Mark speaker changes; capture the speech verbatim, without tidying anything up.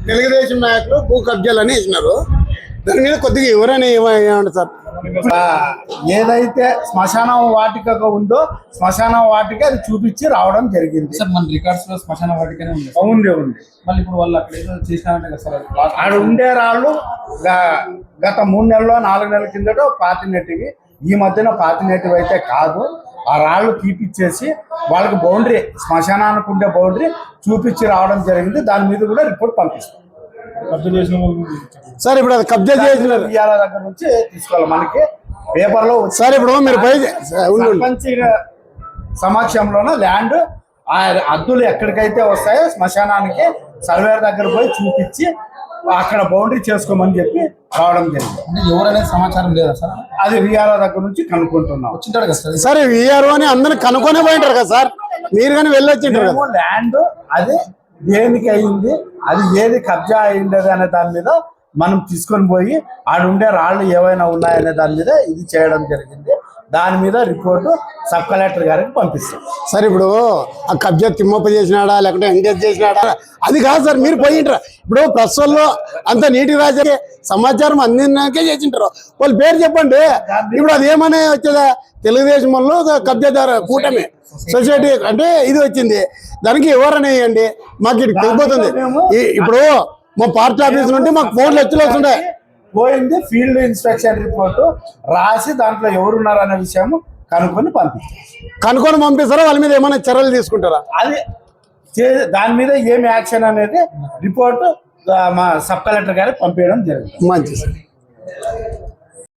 Speaker 1: తెలుగుదేశం నాయకులు భూ కబ్జాలని ఇచ్చినారు. దాని మీద కొద్దిగా ఎవరైనా ఏమంటారు సార్?
Speaker 2: ఏదైతే శ్మశాన వాటిక ఉందో శ్మశాన వాటిక అది చూపించి రావడం జరిగింది
Speaker 3: సార్. మన రికార్డ్స్ లో శ్మశాన వాటికనే ఉంది.
Speaker 2: ఉంది ఉంది
Speaker 3: మళ్ళీ ఇప్పుడు వాళ్ళు అక్కడ ఏదో చేసినారంటే కదా సార్.
Speaker 2: ఆడ ఉండే రాళ్ళు గత మూడు నెలలు నాలుగు నెలల కిందట పాతినెట్టివి, ఈ మధ్యన పాతినెట్టివి అయితే కాదు. ఆ రాళ్ళు తీపిచ్చేసి వాళ్ళకి బౌండరీ, శ్మశానానికి ఉండే బౌండరీ చూపించి రావడం జరిగింది. దాని మీద కూడా రిపోర్ట్ పంపిస్తాం.
Speaker 1: సార్ ఇప్పుడు అది కబ్జా చేసిన
Speaker 2: ఇవాళ దగ్గర నుంచి తీసుకోవాలి. మనకి పేపర్ లో
Speaker 1: సార్ ఇప్పుడు మీరు పై
Speaker 2: సర్పంచ్ సమక్షంలోన ల్యాండ్ ఆ అద్దులు ఎక్కడికైతే వస్తాయో శ్మశానానికి సర్వేర్ దగ్గర పోయి చూపించి అక్కడ బౌండరీ చేసుకోమని చెప్పి రావడం జరిగింది.
Speaker 3: అంటే ఎవరనేది సమాచారం లేదా సార్?
Speaker 2: అది విఆర్ఓ దగ్గర నుంచి కనుక్కుంటున్నాం.
Speaker 3: వచ్చింటాడు కదా సార్.
Speaker 1: సరే విఆర్ఓ అని అందరిని కనుక్కొనే పోయింటారు కదా సార్, మీరు కానీ వెళ్ళొచ్చింటారు కదా.
Speaker 2: ల్యాండ్ అది దేనికి అయింది, అది ఏది కబ్జా అయింది అనే దాని మీద మనం తీసుకొని పోయి ఆడుండే రాళ్ళు ఏవైనా ఉన్నాయనే దాని మీద ఇది చేయడం జరిగింది. దాని మీద రిపోర్టు సబ్ కలెక్టర్ గారికి పంపిస్తాం.
Speaker 1: సార్ ఇప్పుడు ఆ కబ్జా తిమ్మప్ప చేసినాడా లేకుంటే ఎంగేజ్ చేసినాడా అది కాదు సార్, మీరు పోయింటారు. ఇప్పుడు ప్రస్తుతంలో అంత నీటి రాజే సమాచారం అందినాకే చేసింటారు. వాళ్ళ పేరు చెప్పండి. ఇప్పుడు అది ఏమనే వచ్చేదా? తెలుగుదేశం వాళ్ళు కబ్జాదారు కూటమి సొసైటీ అంటే ఇది వచ్చింది, దానికి ఎవరని వేయండి, మాకు ఇటు తెలిపోతుంది. ఇప్పుడు మా పార్టీ ఆఫీస్ నుండి మాకు ఫోన్లు వచ్చి వస్తుండే
Speaker 2: పోయింది. ఫీల్డ్ ఇన్స్పెక్షన్ రిపోర్టు రాసి దాంట్లో ఎవరున్నారు అనే విషయం కనుక్కొని పంపిస్తారు.
Speaker 1: కనుక్కొని పంపిస్తారా? వాళ్ళ మీద ఏమైనా చర్యలు తీసుకుంటారా?
Speaker 2: అది దాని మీద ఏం యాక్షన్ అనేది రిపోర్టు మా సబ్ కలెక్టర్ గారికి పంపించడం జరుగుతుంది.
Speaker 1: మంచి సార్.